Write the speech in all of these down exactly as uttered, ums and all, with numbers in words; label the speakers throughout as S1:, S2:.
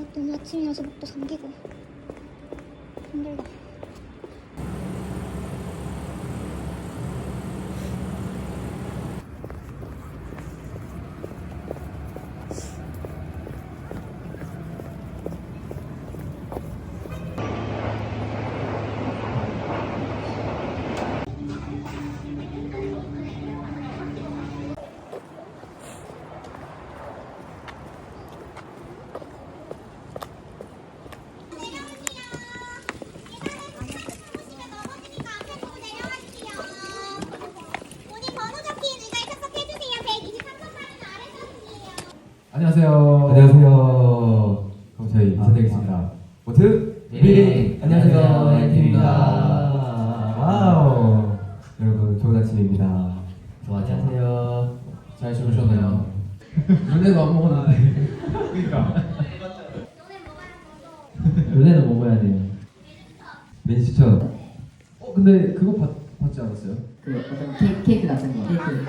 S1: 너무 아침이어서 목도 잠기고 힘들다.
S2: 안녕하세요.
S3: 안녕하세요. 그럼 저희
S2: 아,
S3: 인사드리겠습니다. 모트
S2: 미리.
S3: 안녕하세요.
S2: 엔팀입니다.
S3: 와우. 여러분 좋은 아침입니다.
S2: 안녕하세요.
S3: 잘 주무셨나요? 눈에도 안 먹었는데. 그러니까.
S2: 요새는 뭐 먹어야 돼요?
S3: 메뉴 추천. 어 근데 그거 받, 받지 않았어요?
S4: 그 어떤 케이크, 케이크 같은 거. 케이크.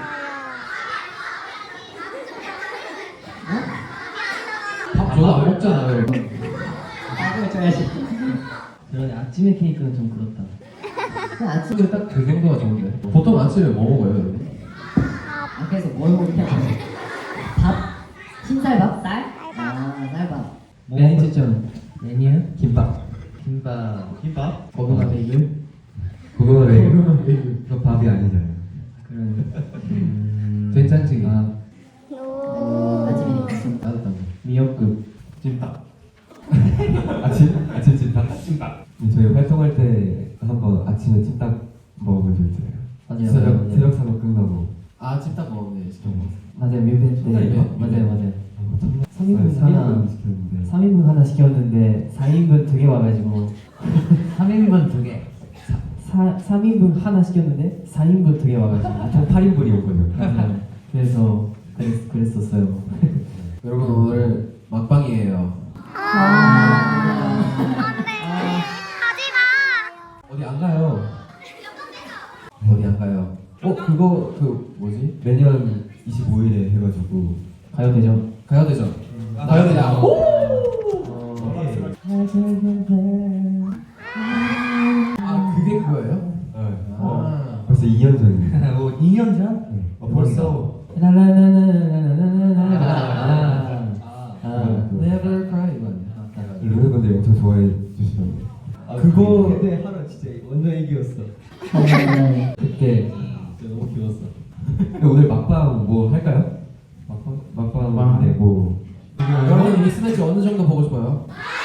S3: 밥 저도 안 먹잖아요.
S4: 밥을 줘야지.
S2: 그러네, 아침에 케이크는 좀 그렇다.
S4: 그 아침.
S3: 근데 딱 그 정도가 좋은데. 보통 아침에 뭐 먹어요, 여러분?
S4: 아, 그래서 뭘 먹게 하는 밥? 흰쌀밥? 쌀? 아, 쌀밥.
S2: 메뉴 추천. 메뉴?
S3: 김밥.
S2: 김밥.
S3: 김밥?
S2: 고구마 베이글?
S3: 그거 왜? 그거 밥이 아니잖아요.
S2: 그런. 음...
S3: 된장찌개.
S2: 아,
S4: 음, 아침이니까.
S2: 따뜻한 거. 미역국.
S3: 찜닭. 아침? 아침 찜닭? 찜닭. 저희 활동할 때 한번 아침에 찜닭 먹어본 적 있잖아요.
S2: 맞아요,
S3: 새벽,
S2: 맞아요.
S3: 새벽 사고 끝나고.
S2: 아, 찜닭 먹었네, 진짜.
S5: 맞아요, 뮤벤 때
S2: 정말요?
S5: 맞아요, 맞아요. 삼 인분
S3: 네, 삼
S5: 하나,
S3: 인분 시켰는데.
S5: 삼 인분 하나 시켰는데 사 인분 두 개 와가지고
S2: 삼 인분 두 개.
S5: 사, 삼 인분 하나 시켰는데 사 인분 두 개 와가지고
S3: 총 팔 인분이 온 거죠.
S5: 맞아요. 그래서 그랬, 그랬었어요.
S3: 여러분 오늘 막방이에요. 어디 안 가요? 어디 안 가요? 어 그거 그 뭐지? 매년 이십오 일에 해가지고
S5: 가요대전.
S3: 가요대전. 가요대전. 아 그게 그거예요? 네.
S5: 어.
S3: 벌써 이 년 전이에요.
S2: 뭐, 이 년 전?
S3: 네.
S2: 어, 벌써.
S5: 라라라라라라라라라.
S2: 아,
S5: 아,
S2: Never Cry 이거 아니야?
S3: 루네분들이 엄청 좋아해 주시던데.
S5: 그거
S2: 근데 하루 진짜 완전 애기였어.
S5: 그때
S2: 진짜 너무 귀여웠어.
S3: 근데 오늘 막방 뭐 할까요? 막방? 막방 네 뭐. 여러분 이 스매치 어느 정도 보고 싶어요?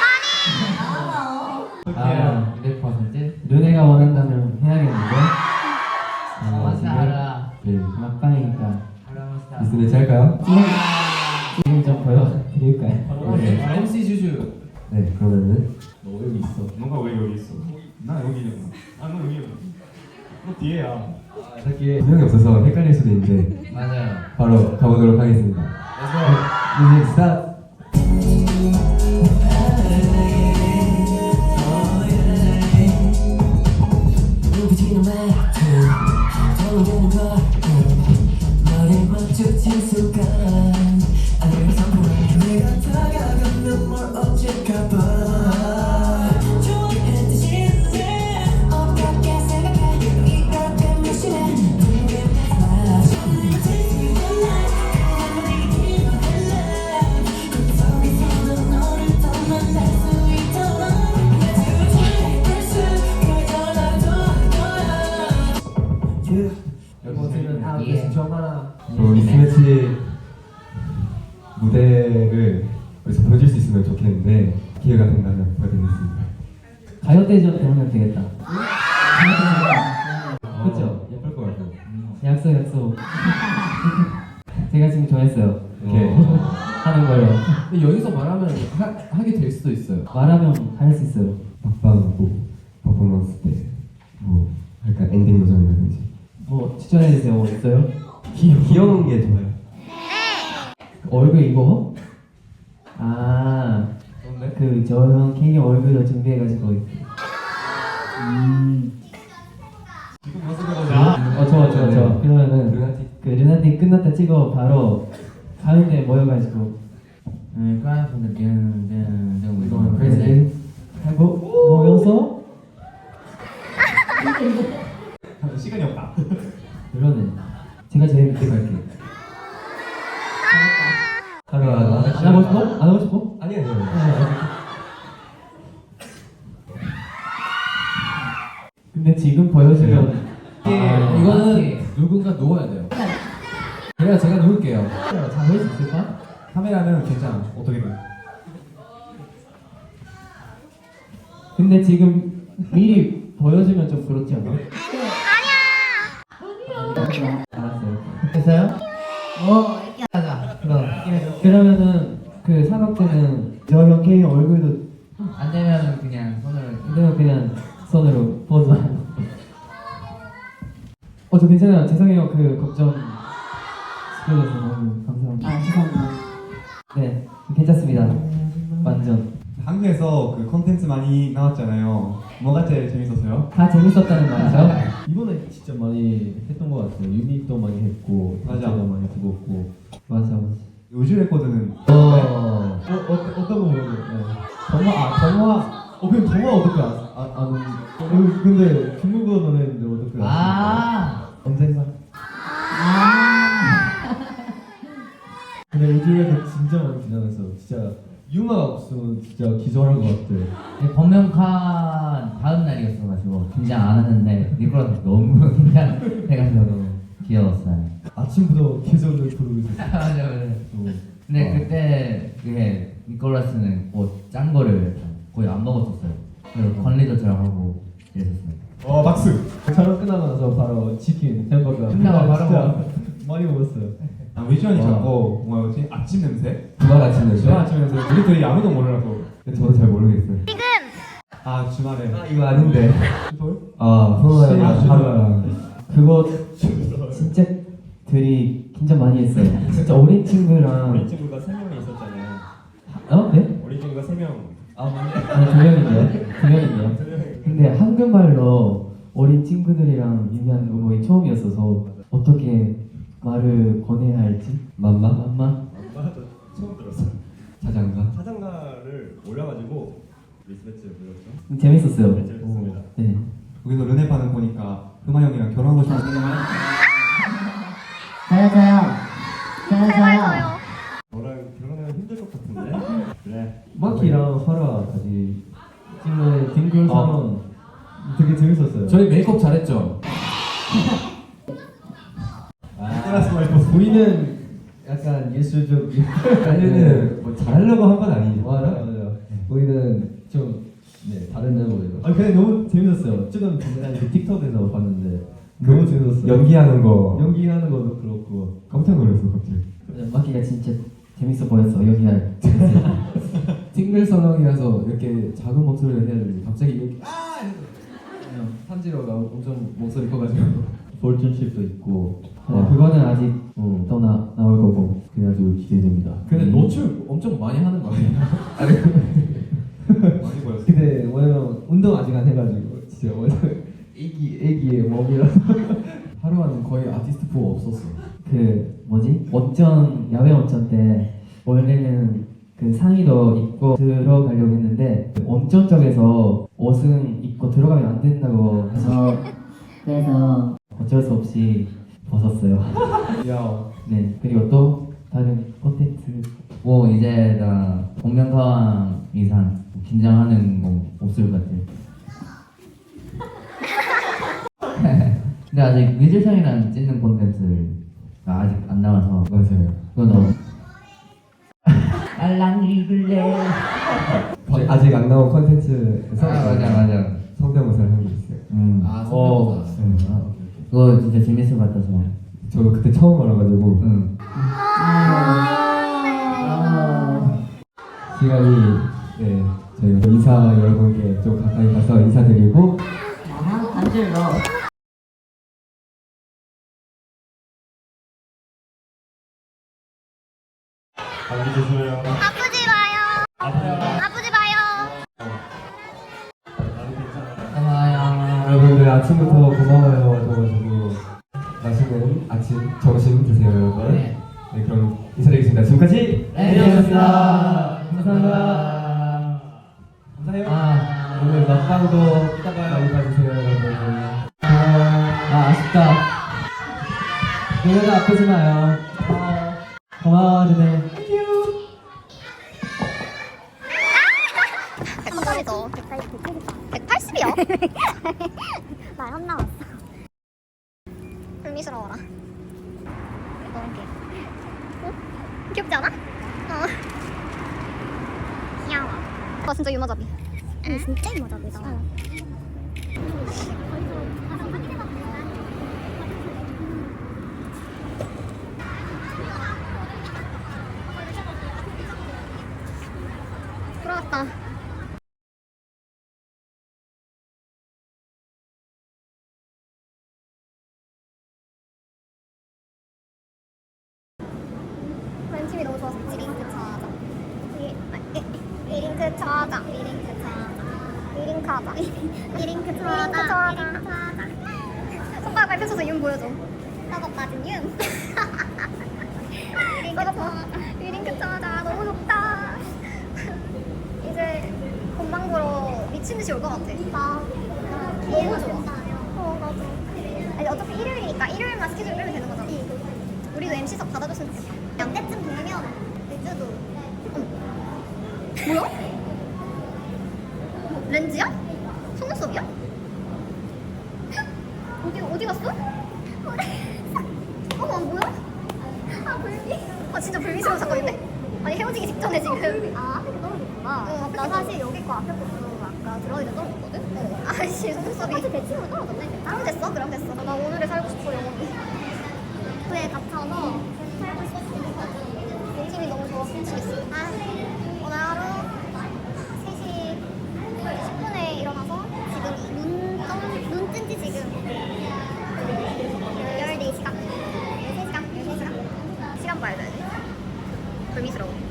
S5: 아,
S2: 이백 퍼센트?
S5: 눈에가 원한다면 해야겠는데.
S2: 아, 알아.
S3: 네.
S5: 막방이니까
S3: 이 스매치 할까요?
S5: 지금 좀 보여드릴까요?
S3: 네. 엠씨 주주. 네 그러면은
S2: 너 여기 있어.
S6: 너가 왜 여기 있어? 나 여기냐고. 아, 너 여기. 너 뒤에야.
S3: 저기 두 명이 없어서 헷갈릴 수도 있는데
S2: 맞아요.
S3: 바로 가보도록 하겠습니다. 뮤직 스타트.
S2: 여러분들은 아,
S5: 예.
S3: 이 스매치 무대를 여기서 보여줄 수 있으면 좋겠는데 기회가 된다면 보여드리겠습니다.
S5: 가요대전 때 하면 되겠다. 그쵸?
S3: 예쁠 것 같아요.
S5: 약속 약속. 제가 지금 정했어요.
S3: 오케이.
S5: 하는 걸로.
S3: 근데 여기서 말하면 하, 하게 될 수도 있어요.
S5: 말하면 할 수 있어요.
S3: 막방 뭐 퍼포먼스 때 뭐 할까 엔딩 요정이라든지
S5: 뭐 추천해주세요. 뭐 있어요?
S3: 귀, 귀여운 게 좋아요.
S5: 얼굴 이거? 아, 그 저 형 케이 얼굴로 준비해가지고. 음. 어 좋아 좋아 좋아. 그러면은
S3: 루나틱
S5: 그 르나틱 끝났다 찍어 바로 가운데 모여가지고
S2: 음, cry for the 등, 등, 등, we
S5: 이거는
S2: going
S5: crazy
S2: crazy.
S5: 하고 모여서
S6: 시간이 없다.
S5: 그러네. 제가 제일 늦게 갈게요.
S3: 하루 안
S5: 안 하고 싶어? 안 하고 싶어?
S3: 아니 아니요.
S5: 근데 지금 보여주면
S3: 아, 이거는 누군가 누워야 돼요. 그래야 제가 누울게요.
S5: 잘할 수 있을까?
S6: 카메라는 괜찮아. 어떻게든.
S5: 근데 지금 미리 보여주면 좀 그렇지 않아? 알았어요. 됐어요?
S4: 오,
S2: 가자.
S5: 그럼 그러면은 그 사각대는 저 형케이 얼굴도
S2: 안 되면 그냥 손을.
S5: 그대로 그냥 손으로 포즈하고. 어, 저 괜찮아요. 죄송해요. 그 걱정 시켜줘서 너무 감사합니다.
S4: 아 죄송합니다.
S5: 네, 괜찮습니다. 완전
S6: 한국에서 그 콘텐츠 많이 나왔잖아요. 뭐가 제일 재밌었어요?
S5: 다 재밌었다는 말이죠.
S3: 이번에 진짜 많이 했던 것 같아요. 유닛도 많이 했고,
S6: 맞아.
S3: 문제도 많이 죽었고.
S5: 맞아, 맞아.
S6: 요즘 레코드는
S3: 어, 어, 어 어떤 거 보여줘요? 동화, 아 동화. 어 그럼 동화 어떻게 아, 아, 아는? 어, 근데 중국어 노래인데 어떻게 아십니까?
S2: 아,
S3: 언젠가.
S4: 아.
S3: 근데 요즘에도 진짜 많이 긴장했어. 진짜 유마가 없으면 진짜 기절할 것 같아.
S2: 범명칸 다음 날이었어가지고 긴장 안 하는데 니콜라스 너무 긴장해가지고 너무 귀여웠어요.
S3: 아침부터 계속 노래 부르고 있었어.
S2: 맞아, 맞아.
S3: 또.
S2: 근데
S3: 어.
S2: 그때 그게 니콜라스는 뭐 짠 거를 거의 안 먹었었어요. 그래서 관리도 잘 하고 이랬었어요.
S6: 어 박수.
S3: 촬영 끝나고 나서 바로 치킨, 햄버거.
S2: 끝나고 바로
S3: 진짜
S2: 먹어.
S3: 많이 먹었어요.
S6: 아 위주원이
S3: 와.
S6: 자꾸 뭐였지? 아침 냄새?
S3: 주말 아침 냄새?
S6: 주말 아침 냄새. 우리들이 아무도 모르라고.
S3: 저도 잘 모르겠어요.
S6: 아 주말에.
S3: 아 이거 아닌데.
S6: 돌?
S3: 아 소나랑
S6: 시-
S3: 하루랑.
S5: 그거 진짜 들이 긴장 많이 했어요. 진짜 어린 친구랑
S6: 우리 친구가 세 명이 있었잖아요.
S5: 어? 네?
S6: 우리 친구가 세 명.
S3: 아 맞네.
S5: 아니 두 명인데요? 두 명인데요? 근데 한국말로 어린 친구들이랑 얘기하는 거 거의 처음이었어서 어떻게 말을 권해야 할지
S3: 맘마?
S5: 맘마?
S6: 엄마도 처음 들었어요.
S3: 자장가?
S6: 사장가를 올려가지고 리스베츠 불렀죠.
S5: 재밌었어요.
S6: 재밌었습니다.
S5: 네.
S6: 거기서 르네 반응 보니까 금화 형이랑 결혼하고 싶어.
S4: 잘했어요. 잘했어요.
S6: 너랑 결혼하면 힘들 것 같은데? 그래.
S3: 마키랑 하루가 같이
S5: 찍는 딩글
S3: 선언 되게 재밌었어요.
S2: 저희 메이크업 잘했죠?
S6: 니콜라스 말고
S3: 우리는 약간 예술적 아니는 뭐 잘하려고 한 건 아니죠. 맞아 맞아. 우리는 좀 네, 다른 레벨이죠.
S5: 아 근데 너무 재밌었어요. 지금 제가 그 틱톡에서 봤는데 너무 재밌었어요.
S3: 연기하는 거
S5: 연기하는 것도 그렇고
S3: 깜짝 놀랐어 갑자기.
S5: 마키가 진짜 재밌어 보였어. 여기할
S3: 팅글 선언이라서 이렇게 작은 목소리를 해야 되는데 갑자기 이렇게 아! 탄지로가 엄청 목소리 커가지고
S5: 볼튼십도 있고
S3: 와.
S5: 그거는 아직
S3: 어.
S5: 또 나, 나올 거고 그래가지고 기대됩니다.
S3: 근데
S5: 음.
S3: 노출 엄청 많이 하는 거 아니야?
S6: 많이 보였어.
S5: 근데 왜냐면 운동 아직 안 해가지고 진짜 완전 애기 애기의 몸이라
S3: 하루는 거의 아티스트 포 없었어.
S5: 그 뭐지 원전 야외 원전 때 원래는 그 상의도 입고 들어가려고 했는데 그 원전 쪽에서 옷은 입고 들어가면 안 된다고 해서
S4: 그래서
S5: 어쩔 수 없이 벗었어요.
S3: 야,
S5: 네 그리고 또 다른 콘텐츠
S2: 뭐 이제 나 복면가왕 이상 긴장하는 거 없을 것 같아요. 근데 아직 뮤지션이랑 찍는 콘텐츠가 아직 안 나와서
S3: 맞아요.
S2: 그거 너무 알랑 읽을래.
S3: 아직 안 나온 컨텐츠에서
S2: 아 맞아 맞아.
S3: 성대모사를 한 게 있어요.
S2: 음.
S3: 아, 성대모사. 네. 아,
S2: 그거 진짜 재밌을 것 같아서.
S3: 저 그때 처음 알아가지고
S2: 응.
S4: 아.
S3: 시간이 네 저희가 인사 여러분께 좀 가까이 가서 인사드리고
S4: 아, 안질러.
S6: 감기 조심해요.
S1: 아프지 마요. 아프지 마요.
S6: 나는 괜찮아.
S2: 고마워요.
S3: 여러분들 아침부터 고마워요 와줘가지고 맛있는 아침 점심 드세요 여러분.
S2: 네.
S3: 네 그럼 인사드리겠습니다. 지금까지
S2: 네, 안녕하셨습니다.
S3: 감사합니다.
S6: 감사해요.
S3: 아, 오늘 먹방도 많이 봐주세요, 여러분. 아, 아, 아쉽다. 노래가 아프지 마요. 고마워. 고마워, 준혜.
S1: 백팔이죠. 백팔십이요? 말 안 나왔어. 불미스러워라. 너무 귀여워. 어? 귀엽지 않아? 어. 귀여워. 와 진짜 유머잡이. 응, 진짜 유머잡이다. 응. 돌아왔다. 관심이 너무 좋아서 리링크 찾아. 리, 아, 리, 리링크 찾아. 리링크 찾아. 리링크 하자. 리링크 찾아. 리링크 찾아. 손가락 발 펼쳐서 윤 보여줘. 썩어 빠진 윤. 리링크 찾아. 리링크 찾아. 너무 좋다. 이제 본방 보러 미친 듯이 올 것 같아. 나 너무 좋아. 어 맞아. 아니 어차피 일요일이니까 일요일만 스케줄 빼면 되는 거잖아. 우리도 엠씨석 받아줬으면 좋겠다. 양대쯤 되면 렌즈도. 어머. 뭐야? 뭐, 렌즈야? 속눈썹이야? 어디 어디 갔어? 어머 뭐야? 아 불미. 아 진짜 불미스러운 사건인데? 아니 헤어지기 직전에 지금. 아 앞에 거 떨어졌구나. 어, 나 사실 여기 거 앞에 거 아까 들어가기 전에 떨어졌거든? 어. 아씨 속눈썹이. 사실 대칭으로 떨어졌네. 그럼 됐어 그럼 됐어. 나 오늘에 살고 싶어 영원히. 그에 갇혀서 살고 싶어. 인심이 너무 좋아서 미치겠어. 아, 오늘 하루 세 시 십 분에 일어나서 지금 눈, 떠, 눈 뜬 지 지금 열네 시간, 열세 시간, 열세 시간. 시간 봐야 돼. 불미스러워.